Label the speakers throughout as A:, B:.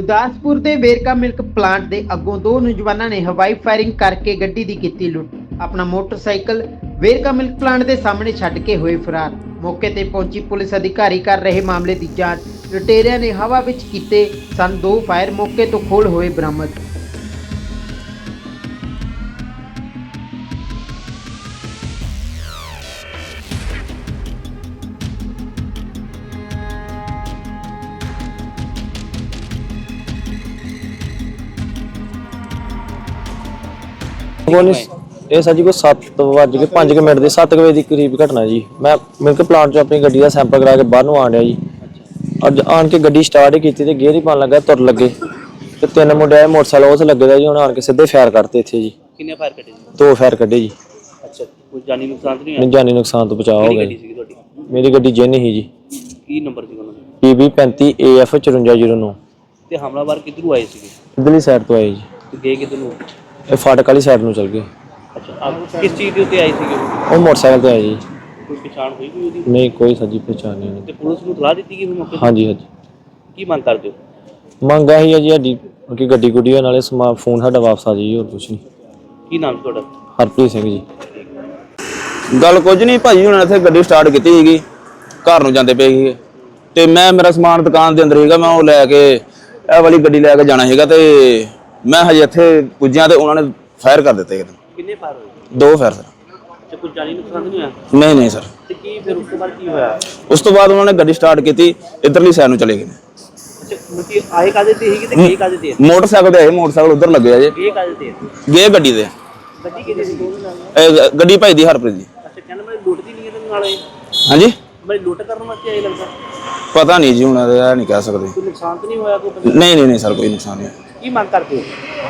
A: ਗੁਰਦਾਸਪੁਰ ਦੇ Verka milk plant ਦੇ ਅੱਗੋਂ ਦੋ ਨੌਜਵਾਨਾਂ ਨੇ ਹਵਾਈ ਫਾਇਰਿੰਗ ਕਰਕੇ ਗੱਡੀ ਦੀ ਕੀਤੀ ਲੁੱਟ। ਆਪਣਾ ਮੋਟਰਸਾਈਕਲ ਵੇਰਕਾ ਮਿਲਕ ਪਲਾਂਟ ਦੇ ਸਾਹਮਣੇ ਛੱਡ ਕੇ ਹੋਏ ਫਰਾਰ। ਮੌਕੇ ਤੇ ਪਹੁੰਚੀ ਪੁਲਿਸ ਅਧਿਕਾਰੀ ਕਰ ਰਹੇ ਮਾਮਲੇ ਦੀ ਜਾਂਚ। ਲੁਟੇਰਿਆਂ ਨੇ ਹਵਾ ਵਿੱਚ ਕੀਤੇ ਸਨ ਦੋ ਫਾਇਰ, ਮੌਕੇ ਤੋਂ ਖੋਲ ਹੋਏ ਬਰਾਮਦ।
B: ਇਹ ਸਰ ਜੀ ਕੋਈ 7:05 ਮਿੰਟ ਦੇ 7 ਵਜੇ ਦੇ ਕਰੀਬ ਘਟਨਾ ਜੀ। ਮੈਂ ਮਿਲਕ ਪਲਾਂਟ ਚੋਂ ਆਪਣੀ ਗੱਡੀ ਦਾ ਸੈਂਪਲ ਕਰਾ ਕੇ ਬਾਹਰ ਨੂੰ ਆਣ ਰਿਹਾ ਜੀ। ਅੱਜ ਆਣ ਕੇ ਗੱਡੀ ਸਟਾਰਟ ਹੀ ਕੀਤੀ ਤੇ ਗੇਅਰ ਹੀ ਪਾਣ ਲੱਗਾ, ਤੁਰ ਲੱਗੇ ਤੇ ਤਿੰਨ ਮੁੰਡੇ ਆਏ ਮੋਟਰਸਾਈਕਲ ਉਸ ਲੱਗੇ ਦਾ ਜੀ। ਹੁਣ ਆਣ ਕੇ ਸਿੱਧੇ ਫਾਇਰ ਕਰਤੇ ਇੱਥੇ ਜੀ।
C: ਕਿੰਨੇ ਫਾਇਰ ਕੱਢੇ ਜੀ?
B: ਦੋ ਫਾਇਰ ਕੱਢੇ ਜੀ।
C: ਅੱਛਾ, ਕੋਈ ਜਾਨੀ ਨੁਕਸਾਨ ਨਹੀਂ
B: ਨਹੀਂ, ਜਾਨੀ ਨੁਕਸਾਨ ਤੋਂ ਬਚਾਅ ਹੋ ਗਿਆ
C: ਗੱਡੀ ਸੀ ਤੁਹਾਡੀ?
B: ਮੇਰੀ ਗੱਡੀ ਜਿੰਨ ਹੀ ਜੀ।
C: ਕੀ ਨੰਬਰ ਸੀ ਉਹਨਾਂ ਦਾ?
B: PB 35 AF 5409।
C: ਤੇ ਹਮਲਾਵਰ ਕਿੱਧਰੋਂ ਆਏ ਸੀਗੇ?
B: ਇਧਰਲੀ ਸਾਈਡ ਤੋਂ ਆਏ ਜੀ।
C: ਤੇ ਗਏ ਕਿੱਧਰ ਨੂੰ?
B: ਇਹ ਫਾਟਕ ਵਾਲੀ ਸਾਈਡ ਨੂੰ ਚਲ ਗਏ।
C: ਅੱਛਾ, ਕਿਸ ਚੀਜ਼ ਦੇ ਉੱਤੇ ਆਏ ਸੀਗੇ?
B: ਉਹ ਮੋਟਰਸਾਈਕਲ ਤੇ ਆਏ ਜੀ।
C: ਕੋਈ ਪਛਾਣ ਹੋਈ ਕੋਈ ਉਹਦੀ?
B: ਨਹੀਂ, ਕੋਈ ਸੱਜੀ ਪਛਾਣ ਨਹੀਂ।
C: ਤੇ ਪੁਲਿਸ ਨੂੰ ਇਤਲਾਹ ਦਿੱਤੀ ਗਈ ਫਿਰ ਮੌਕੇ ਤੇ?
B: ਹਾਂਜੀ ਹਾਂਜੀ।
C: ਕੀ ਮੰਗ ਕਰਦੇ ਹੋ?
B: ਮੰਗ ਇਹੀ ਹੈ ਜੀ ਸਾਡੀ ਕਿ ਗੱਡੀ ਗੁੱਡੀ ਨਾਲੇ ਫੋਨ ਸਾਡਾ ਵਾਪਸ ਆ ਜਾਈ, ਹੋਰ ਕੁਛ ਨਹੀਂ।
C: ਕੀ ਨਾਮ ਤੁਹਾਡਾ?
B: ਹਰਪ੍ਰੀਤ ਸਿੰਘ ਜੀ।
D: ਗੱਲ ਕੁਝ ਨਹੀਂ ਭਾਜੀ, ਹੁਣ ਇੱਥੇ ਗੱਡੀ ਸਟਾਰਟ ਕੀਤੀ ਸੀਗੀ, ਘਰ ਨੂੰ ਜਾਂਦੇ ਪਏ ਸੀਗੇ ਤੇ ਮੇਰਾ ਸਮਾਨ ਦੁਕਾਨ ਦੇ ਅੰਦਰ ਸੀਗਾ। ਮੈਂ ਉਹ ਲੈ ਕੇ ਇਹ ਵਾਲੀ ਗੱਡੀ ਲੈ ਕੇ ਜਾਣਾ ਸੀਗਾ ਤੇ ਮੈਂ ਹਜੇ ਇੱਥੇ ਪੁੱਜਿਆ ਤੇ ਉਹਨਾਂ ਨੇ ਫਾਇਰ ਕਰ ਦਿੱਤੇ।
C: ਕਿੰਨੇ ਫਾਇਰ ਹੋਏ?
D: ਦੋ ਫਾਇਰ ਸਰ।
C: ਤੇ ਕੋਈ ਜਾਨੀ ਨੁਕਸਾਨ ਨਹੀਂ ਹੋਇਆ?
D: ਨਹੀਂ ਸਰ।
C: ਤੇ ਕੀ ਫਿਰ ਉਸ ਤੋਂ ਬਾਅਦ ਕੀ ਹੋਇਆ?
D: ਉਸ ਤੋਂ ਬਾਅਦ ਉਹਨਾਂ ਨੇ ਗੱਡੀ ਸਟਾਰਟ ਕੀਤੀ, ਇੱਧਰਲੀ ਸਾਈਡ ਨੂੰ ਚਲੇ ਗਏ।
C: ਅੱਛਾ, ਮੁਕੀ ਆਏ ਕਾਦੇ ਤੇ ਸੀਗੇ ਤੇ ਗਏ ਕਾਦੇ ਤੇ?
D: ਮੋਟਰਸਾਈਕਲ ਤੇ ਆਏ, ਮੋਟਰਸਾਈਕਲ ਉੱਧਰ ਲੱਗੇ ਆ ਜੇ।
C: ਗਏ ਕਾਦੇ ਤੇ?
D: ਗਏ ਗੱਡੀ ਤੇ।
C: ਗੱਡੀ ਕਿਹਦੀ ਸੀ?
D: ਗੱਡੀ ਭਾਈ ਦੀ ਹਰਪ੍ਰੀਤ ਦੀ।
C: ਅੱਛਾ, ਕਹਿੰਦਾ ਮੈਂ ਲੁੱਟ ਦੀ ਨਹੀਂ ਇਹਦੇ ਨਾਲ ਆਏ?
D: ਹਾਂਜੀ,
C: ਮੈਂ ਲੁੱਟ ਕਰਨ ਵਾਸਤੇ ਆਏ ਲੱਗਦਾ।
D: ਪਤਾ ਨਹੀਂ ਜੀ, ਹੁਣ ਇਹ ਨਹੀਂ ਕਹਿ ਸਕਦੇ।
C: ਕੋਈ ਨੁਕਸਾਨ ਤਾਂ ਨਹੀਂ ਹੋਇਆ ਕੋਈ?
D: ਨਹੀਂ ਸਰ, ਕੋਈ ਨੁਕਸਾਨ ਨਹੀਂ।
C: ਕੀ ਮੰਗ ਕਰਦੇ ਹੋ?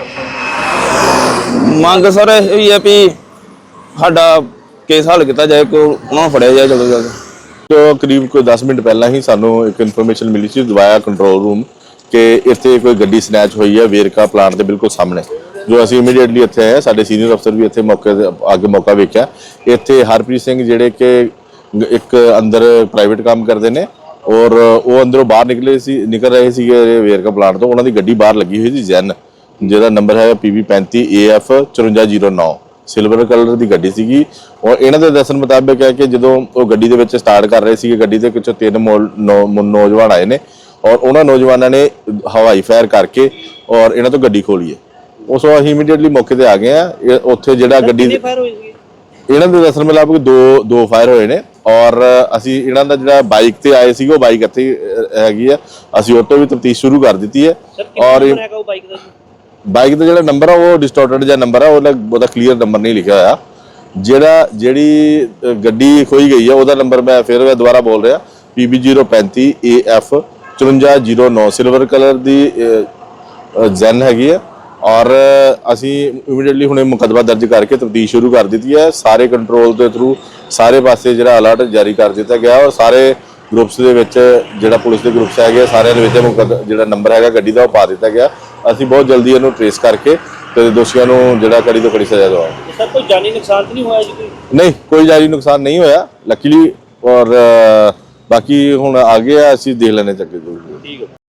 D: ਮੰਗ ਸਰ ਇਹ ਹੈ ਵੀ ਸਾਡਾ ਕੇਸ ਹੱਲ ਕੀਤਾ ਜਾਏ, ਕੋ ਉਹਨਾਂ ਨੂੰ ਫੜਿਆ ਜਾਏ ਜਲਦੀ ਜਲਦੀ।
E: ਜੋ ਕਰੀਬ ਕੋਈ 10 ਮਿੰਟ ਪਹਿਲਾਂ ਹੀ ਸਾਨੂੰ ਇੱਕ ਇਨਫੋਰਮੇਸ਼ਨ ਮਿਲੀ ਸੀ ਦਵਾਇਆ ਕੰਟਰੋਲ ਰੂਮ ਕਿ ਇੱਥੇ ਕੋਈ ਗੱਡੀ ਸਨੈਚ ਹੋਈ ਹੈ ਵੇਰਕਾ ਪਲਾਂਟ ਦੇ ਬਿਲਕੁਲ ਸਾਹਮਣੇ। ਜੋ ਅਸੀਂ ਇਮੀਡੀਏਟਲੀ ਇੱਥੇ ਆਏ, ਸਾਡੇ ਸੀਨੀਅਰ ਅਫਸਰ ਵੀ ਇੱਥੇ ਮੌਕੇ ਤੇ ਆ ਕੇ ਮੌਕਾ ਵੇਖਿਆ। ਇੱਥੇ ਹਰਪ੍ਰੀਤ ਸਿੰਘ ਜਿਹੜੇ ਕਿ ਇੱਕ ਅੰਦਰ ਪ੍ਰਾਈਵੇਟ ਕੰਮ ਕਰਦੇ ਨੇ ਔਰ ਉਹ ਅੰਦਰੋਂ ਬਾਹਰ ਨਿਕਲ ਰਹੇ ਸੀਗੇ ਵੇਰਕਾ ਪਲਾਂਟ ਤੋਂ। ਉਹਨਾਂ ਦੀ ਗੱਡੀ ਬਾਹਰ ਲੱਗੀ ਹੋਈ ਸੀ ਜੈਨ, ਜਿਹਦਾ ਨੰਬਰ ਹੈ PB 35 AF 5409। ਸਿਲਵਰ ਕਲਰ ਦੀ ਗੱਡੀ ਸੀਗੀ ਔਰ ਇਹਨਾਂ ਦੇ ਦੱਸਣ ਮੁਤਾਬਕ ਹੈ ਕਿ ਜਦੋਂ ਉਹ ਗੱਡੀ ਦੇ ਵਿੱਚ ਸਟਾਰਟ ਕਰ ਰਹੇ ਸੀਗੇ, ਗੱਡੀ ਦੇ ਵਿੱਚੋਂ ਤਿੰਨ ਨੌਜਵਾਨ ਆਏ ਨੇ ਔਰ ਉਹਨਾਂ ਨੌਜਵਾਨਾਂ ਨੇ ਹਵਾਈ ਫਾਇਰ ਕਰਕੇ ਔਰ ਇਹਨਾਂ ਤੋਂ ਗੱਡੀ ਖੋਲੀ ਹੈ। ਉਸ ਤੋਂ ਅਸੀਂ ਇਮੀਡੀਏਟਲੀ ਮੌਕੇ ਤੇ ਆ ਗਏ ਆ। ਉੱਥੇ ਜਿਹੜਾ ਗੱਡੀ
C: ਫਾਇਰ ਹੋਏ ਸੀਗੇ?
E: ਇਹਨਾਂ ਦੇ ਦੱਸਣ ਮੁਤਾਬਕ ਦੋ ਫਾਇਰ ਹੋਏ ਨੇ ਔਰ ਅਸੀਂ ਇਹਨਾਂ ਦਾ ਜਿਹੜਾ ਬਾਈਕ ਤੇ ਆਏ ਸੀਗੇ ਉਹ ਬਾਈਕ ਇੱਥੇ ਹੈਗੀ ਆ, ਅਸੀਂ ਉਹ ਤੋਂ ਵੀ ਤਫਤੀਸ਼ ਸ਼ੁਰੂ ਕਰ ਦਿੱਤੀ ਹੈ। ਔਰ ਬਾਈਕ ਦਾ ਜਿਹੜਾ ਨੰਬਰ ਆ ਉਹ ਡਿਸਟੋਰਟਡ ਜਿਹਾ ਨੰਬਰ ਆ, ਉਹਦਾ ਕਲੀਅਰ ਨੰਬਰ ਨਹੀਂ ਲਿਖਿਆ ਹੋਇਆ। ਜਿਹੜੀ ਗੱਡੀ ਖੋਈ ਗਈ ਆ ਉਹਦਾ ਨੰਬਰ ਮੈਂ ਫਿਰ ਦੁਬਾਰਾ ਬੋਲ ਰਿਹਾ, PB 035 AF 5409 ਸਿਲਵਰ ਕਲਰ ਦੀ ਜੈਨ ਹੈਗੀ ਆ। ਔਰ ਅਸੀਂ ਇਮੀਡੀਏਟਲੀ ਹੁਣੇ ਮੁਕੱਦਮਾ ਦਰਜ ਕਰਕੇ ਤਫਤੀਸ਼ ਸ਼ੁਰੂ ਕਰ ਦਿੱਤੀ ਹੈ। ਸਾਰੇ ਕੰਟਰੋਲ ਦੇ ਥਰੂ ਸਾਰੇ ਪਾਸੇ ਜਿਹੜਾ ਅਲਰਟ ਜਾਰੀ ਕਰ ਦਿੱਤਾ ਗਿਆ ਔਰ ਸਾਰੇ ਗਰੁੱਪਸ ਦੇ ਵਿੱਚ ਜਿਹੜਾ ਪੁਲਿਸ ਦੇ ਗਰੁੱਪਸ ਹੈਗੇ ਸਾਰਿਆਂ ਦੇ ਵਿੱਚ ਜਿਹੜਾ ਨੰਬਰ ਹੈਗਾ ਗੱਡੀ ਦਾ ਉਹ ਪਾ ਦਿੱਤਾ ਗਿਆ। ਅਸੀਂ ਬਹੁਤ ਜਲਦੀ ਇਹਨੂੰ ਟ੍ਰੇਸ ਕਰਕੇ ਤੇ ਦੋਸ਼ੀਆਂ ਨੂੰ ਜਿਹੜਾ ਕੜੀ ਤੋਂ ਕੜੀ ਸਜ਼ਾ ਦਵਾਵਾਂਗੇ।
C: ਸਰ, ਕੋਈ ਜਾਨੀ ਨੁਕਸਾਨ ਤਾਂ ਨਹੀਂ ਹੋਇਆ ਜੀ?
E: ਨਹੀਂ, ਕੋਈ ਜਾਨੀ ਨੁਕਸਾਨ ਨਹੀਂ ਹੋਇਆ ਲੱਕੀਲੀ। ਔਰ ਬਾਕੀ ਹੁਣ ਆ ਗਏ ਆ, ਅਸੀਂ ਦੇਖ ਲੈਣੇ ਚੱਕੇ।
C: ਠੀਕ ਹੈ।